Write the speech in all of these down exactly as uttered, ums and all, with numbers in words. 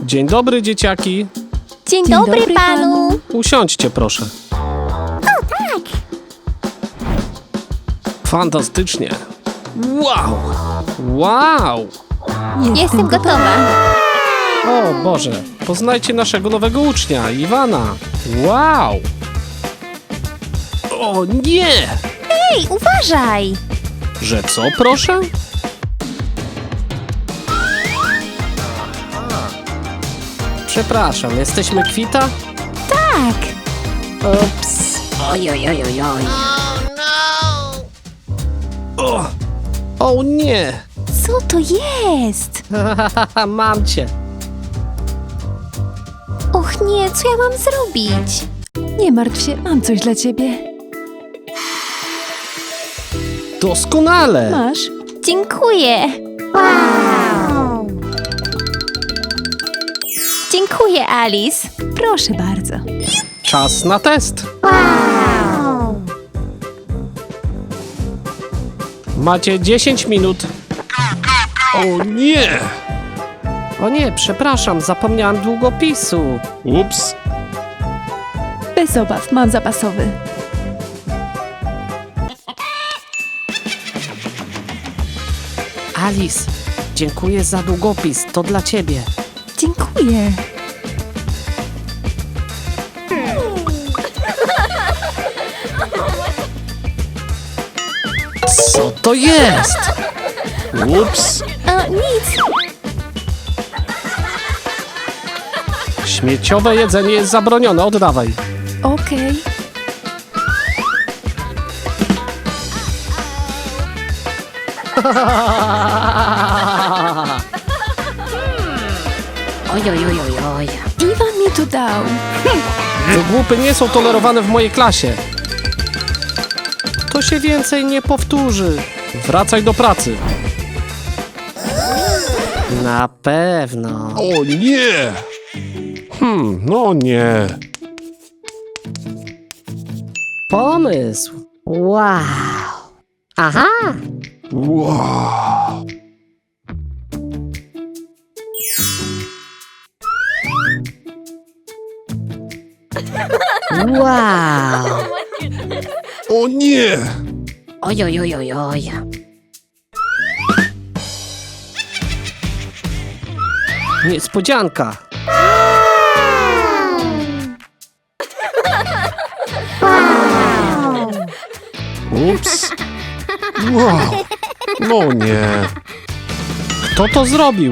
Dzień dobry, dzieciaki. Dzień, Dzień dobry, dobry panu. panu. Usiądźcie, proszę. O, tak. Fantastycznie. Wow! Wow! Jestem gotowa. O Boże, poznajcie naszego nowego ucznia, Iwana. Wow! O nie! Ej, uważaj. Że co, proszę? Przepraszam, jesteśmy kwita? Tak. Ups. Oj, oj, oj, oj, oj. O, o nie! Co to jest? Mam cię. Och nie, co ja mam zrobić? Nie martw się, mam coś dla ciebie. Doskonale! Masz? Dziękuję. Wow. Dziękuję, Alice. Proszę bardzo. Czas na test. Wow. Macie dziesięć minut. O nie! O nie, przepraszam, zapomniałem długopisu. Ups. Bez obaw, mam zapasowy. Alice, dziękuję za długopis, to dla ciebie. Dziękuję. Co to jest? Ups. O, nic. Śmieciowe jedzenie jest zabronione, oddawaj. Okej. Oj, oj, oj, oj, oj. Iwan mi to dał. Wygłupy nie są tolerowane w mojej klasie. To się więcej nie powtórzy. Wracaj do pracy. Na pewno. O nie! Hmm, no nie. Pomysł. Wow. Aha. Wow. Wow. O nie! Oj, oj, oj, oj, oj. Niespodzianka. Ups. Wow. No nie. Kto to zrobił?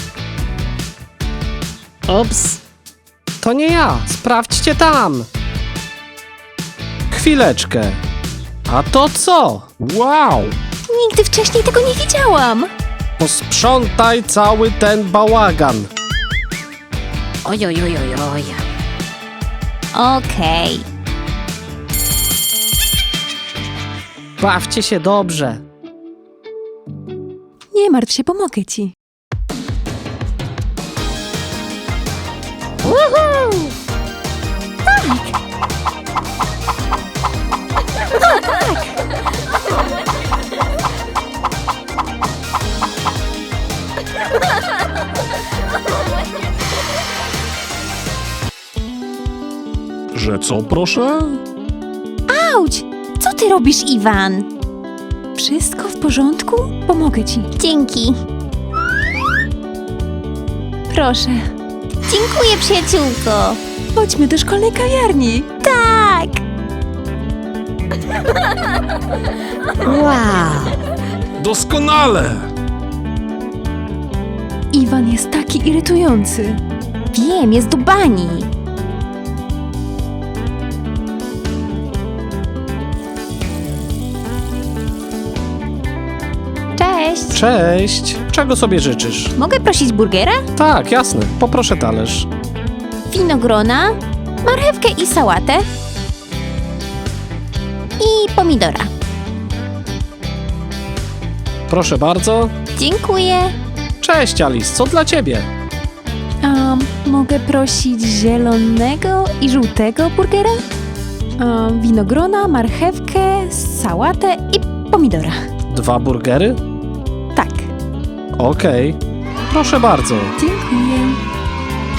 Ups. To nie ja. Sprawdźcie tam. Chwileczkę. A to co? Wow. Nigdy wcześniej tego nie widziałam. Posprzątaj cały ten bałagan. Oj, oj, oj, oj, oj. Okej. Bawcie się dobrze. Nie martw się, pomogę ci. Że co, proszę? Auć! Co ty robisz, Iwan? Wszystko w porządku? Pomogę ci. Dzięki. Proszę. Dziękuję, przyjaciółko. Chodźmy do szkolnej kawiarni. Tak. Wow. Doskonale! Iwan jest taki irytujący. Wiem, jest do bani. Cześć. Cześć. Czego sobie życzysz? Mogę prosić burgera? Tak, jasne. Poproszę talerz. Winogrona, marchewkę i sałatę. I pomidora. Proszę bardzo. Dziękuję. Cześć, Alice. Co dla ciebie? Um, mogę prosić zielonego i żółtego burgera? Um, winogrona, marchewkę, sałatę i pomidora. Dwa burgery? Tak. Okej. Proszę bardzo. Dziękuję.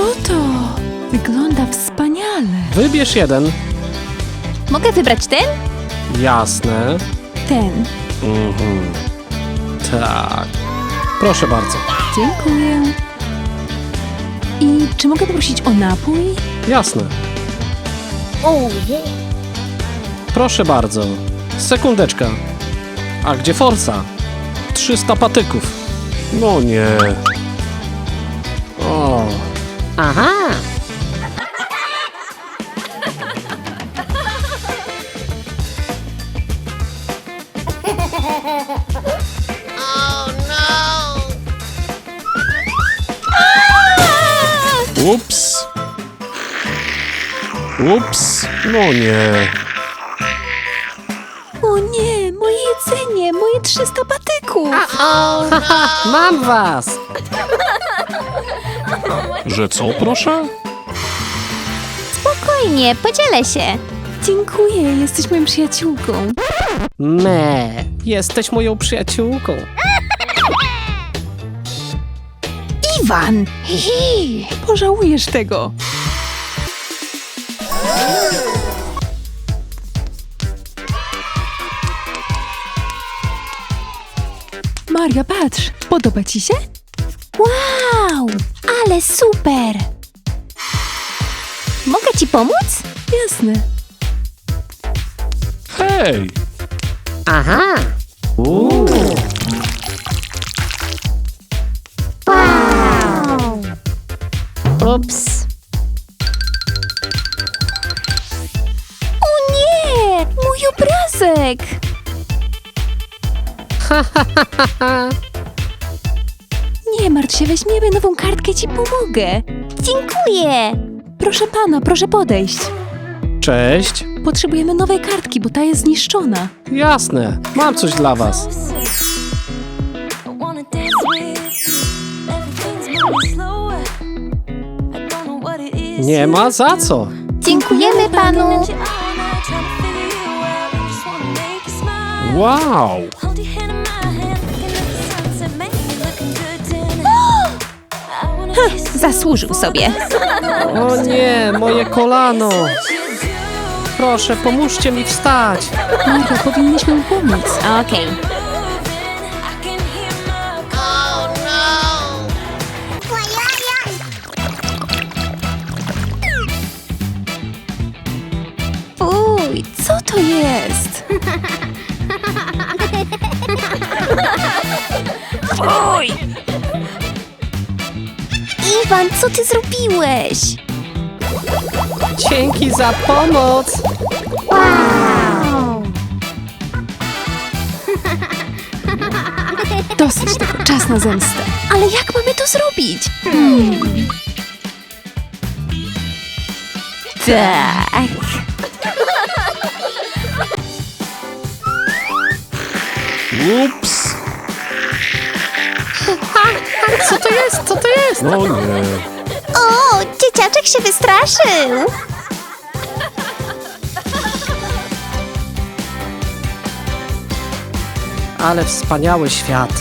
to? Wygląda wspaniale. Wybierz jeden. Mogę wybrać ten? Jasne. Ten. Mhm. Tak. Proszę bardzo. Dziękuję. I czy mogę poprosić o napój? Jasne. Proszę bardzo. Sekundeczka. A gdzie forsa? trzysta patyków. No nie. O, Aha. Ups. Ups. No nie. O nie, moje jedzenie, moje trzysta patyków. Mam was. Że co, proszę? Spokojnie, podzielę się. Dziękuję, jesteś moją przyjaciółką. me. Jesteś moją przyjaciółką. Iwan! Pożałujesz tego. Maria, patrz, podoba ci się? Wow! Ale super! Mogę ci pomóc? Jasne. Hej. Aha. Uuu. Ups. O nie! Mój obrazek! Nie martw się, weźmiemy nową kartkę, ci pomogę. Dziękuję! Proszę pana, proszę podejść. Cześć. Potrzebujemy nowej kartki, bo ta jest zniszczona. Jasne. Mam coś dla was. Nie ma za co. Dziękujemy panu! Wow. Zasłużył sobie. O nie, moje kolano. Proszę, pomóżcie mi wstać. Maria, powinniśmy mu pomóc. Okej. Uj, co to jest? Iwan, co ty zrobiłeś? Dzięki za pomoc. Wow! Dosyć tego, czas na zemstę. Ale jak mamy to zrobić? Tak. Ups. Co to jest? Co to jest? No nie. O, dzieciaczek się wystraszył. Ale wspaniały świat.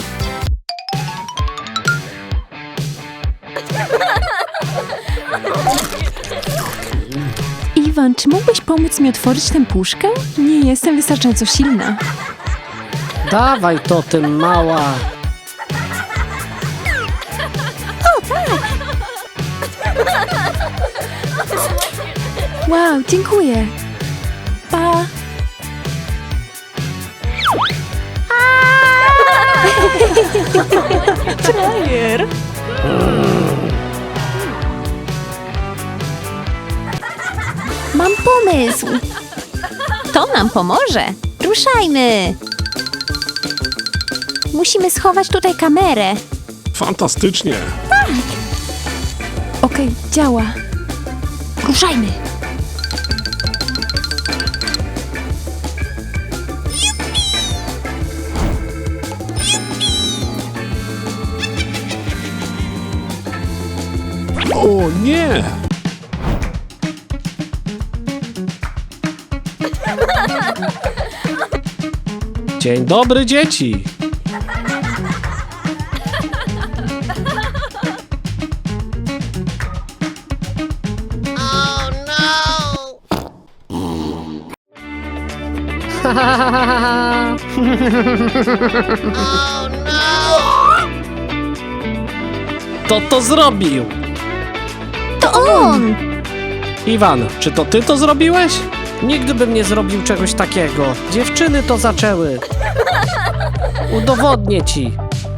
Iwan, czy mógłbyś pomóc mi otworzyć tę puszkę? Nie jestem wystarczająco silna. Dawaj to, ty mała. Wow, dziękuję. Pa. Frajer. Mam pomysł. To nam pomoże. Ruszajmy. Musimy schować tutaj kamerę. Fantastycznie. Okej, działa. Ruszajmy. O nie. Dzień dobry, dzieci. Kto to zrobił? To on! Iwan, czy to ty to zrobiłeś? Nigdy bym nie zrobił czegoś takiego. Dziewczyny to zaczęły. Udowodnię ci.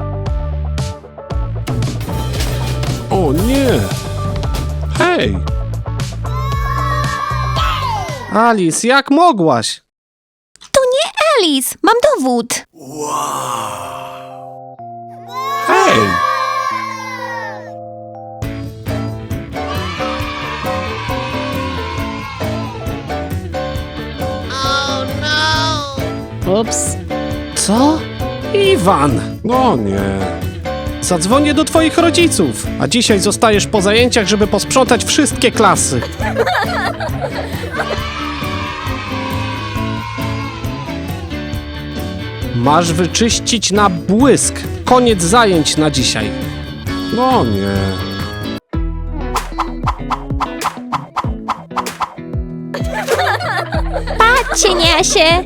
O nie! Hej! Alice, jak mogłaś? To nie Alice! Mam dowód! Hej! Ups. Co? Iwan! No nie. Zadzwonię do twoich rodziców, a dzisiaj zostajesz po zajęciach, żeby posprzątać wszystkie klasy. Masz wyczyścić na błysk. Koniec zajęć na dzisiaj. No nie. Cieniasie!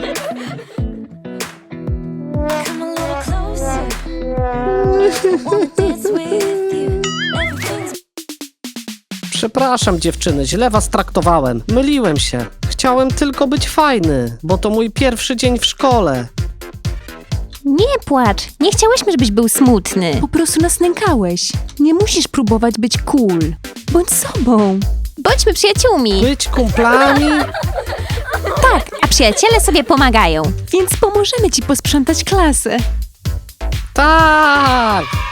Come a little closer. Wanna dance with you. Everything's Przepraszam, dziewczyny, źle was traktowałem. Myliłem się. Chciałem tylko być fajny, bo to mój pierwszy dzień w szkole. Nie płacz! Nie chciałyśmy, żebyś był smutny. Po prostu nas nękałeś. Nie musisz próbować być cool. Bądź sobą. Bądźmy przyjaciółmi! Być kumplami? Tak, a przyjaciele sobie pomagają. Więc pomożemy ci posprzątać klasę. Tak!